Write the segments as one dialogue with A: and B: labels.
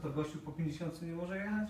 A: to gościu po 50 nie może jechać?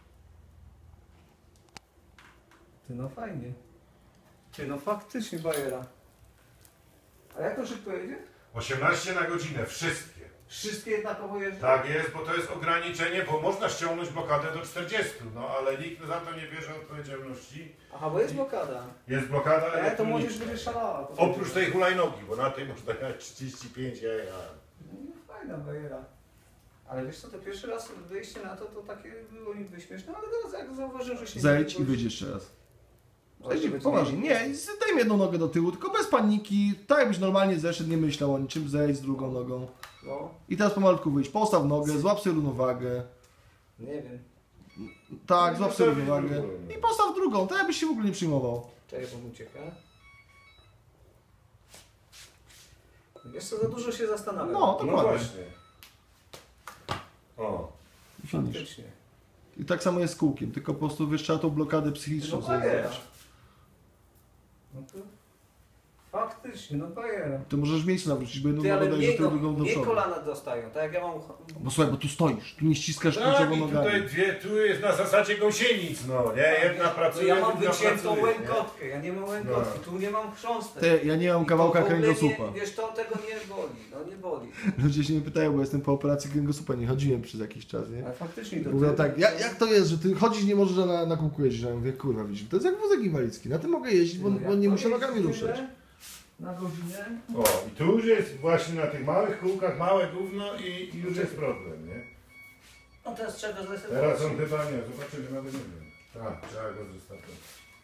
A: Ty no fajnie. Ty no faktycznie bajera. A jak to szybko jedzie?
B: 18 na godzinę, wszystkie.
A: Wszystkie jednakowo jeżdżą?
B: Tak jest, bo to jest ograniczenie, bo można ściągnąć blokadę do 40, no ale nikt za to nie bierze odpowiedzialności.
A: Aha, bo jest blokada.
B: Jest blokada
A: To
B: elektroniczna.
A: młodzież będzie szalała.
B: Oprócz tej hulajnogi, bo na tej można jechać 35, ja.
A: No, fajna bajera. Ale wiesz co, to pierwszy raz wyjście na to takie było niby śmieszne, ale teraz jak zauważyłem, że się
C: Zejdź
A: nie
C: i wyjdź jeszcze raz. Zejdź,
A: Żeby
C: poważnie, nie, daj mi jedną nogę do tyłu, tylko bez paniki, tak jakbyś normalnie zeszedł, nie myślał o niczym, zejdź z drugą nogą.
A: No,
C: I teraz pomalutku wyjść, postaw nogę, złap sobie równowagę.
A: nie wiem.
C: Tak, złap sobie
B: Postawić
C: równowagę.
B: drugą.
C: I postaw drugą, tak jakbyś się w ogóle nie przyjmował.
A: Czekaj, bo ucieka. Wiesz co, za dużo się zastanawiam.
C: No,
B: No
C: dokładnie.
B: właśnie. O.
C: I finisz.
A: Faktycznie.
C: I tak samo jest z kółkiem, tylko po prostu wiesz, trzeba tą blokadę psychiczną
A: No
C: sobie
A: bajera.
C: zrobić.
A: No to... Faktycznie, no bajera.
C: Ty możesz miejsce nawrócić, bo jedną
A: Ty,
C: nogę
A: ale
C: dajesz do tyłu, drugą do
A: mnie
C: przodu.
A: kolana dostają, tak jak ja mam...
C: Bo słuchaj, bo tu stoisz, tu nie ściskasz
B: Tak,
C: kluczowo
B: i
C: nogami.
B: tutaj tu jest na zasadzie gąsienic, no nie? Jedna
A: No
B: pracuje,
A: ja mam
B: druga
A: wyciętą
B: pracuje,
A: łękotkę, ja nie mam łękotki, tu nie mam chrząstek.
C: Ty, ja nie mam kawałka
A: I to w ogóle
C: kręgosłupa.
A: Nie, wiesz, to tego nie boli, no nie boli.
C: Ludzie się mnie pytają, bo jestem po operacji kręgosłupa, nie chodziłem przez jakiś czas, nie?
A: Ale faktycznie to...
C: Mówią tak, jak to jest, że ty chodzić nie możesz, a na kółku jeździć? Ja mówię, kurwa, widzisz, to jest jak wózek inwalidzki, na tym mogę jeździć, bo nie muszę nogami ruszać.
A: Na godzinę.
B: O, i tu już jest właśnie na tych małych kółkach małe gówno i już jest problem, nie?
A: No teraz trzeba go zresetować.
B: Teraz on chyba nie, zobaczymy, nawet nie wiem. Tak, trzeba go zostawić.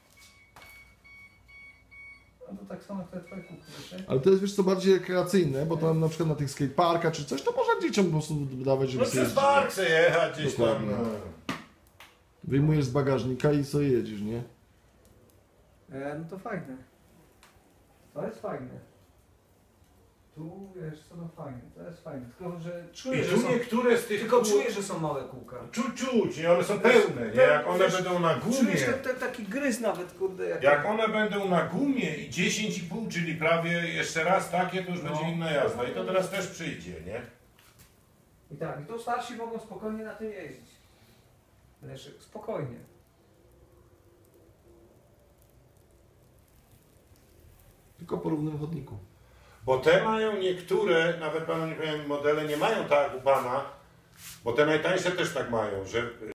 A: No to tak samo jak te twoje kółki, wiesz?
C: Ale to jest, wiesz co, bardziej rekreacyjne, bo tam na przykład na tych skateparkach czy coś, to można dzieciom po prostu dawać, żeby
B: No
C: sobie
B: przez park se jechać gdzieś tam,
C: Dokładnie.
B: no.
C: wyjmujesz z bagażnika i sobie jedziesz, nie?
A: No to fajne. To jest fajne. Tu wiesz co, no fajne, to jest fajne. Tylko, że
B: I
A: czuję, że
B: tu
A: są...
B: niektóre z tych
A: Tylko
B: kół...
A: czuję, że są małe kółka.
B: Czuć, nie? One są pełne, nie? Jak one
A: Wiesz,
B: będą na gumie...
A: Czujesz taki gryz nawet, kurde.
B: Jak one będą na gumie i 10,5, czyli prawie jeszcze raz takie, to już
A: No.
B: będzie inna jazda. I to teraz też przyjdzie, nie?
A: I tak, i tu starsi mogą spokojnie na tym jeździć. Leszek, spokojnie.
C: Tylko po równym chodniku.
B: Bo te mają niektóre, nawet panu nie powiem, modele nie mają tak jak u pana, bo te najtańsze też tak mają, że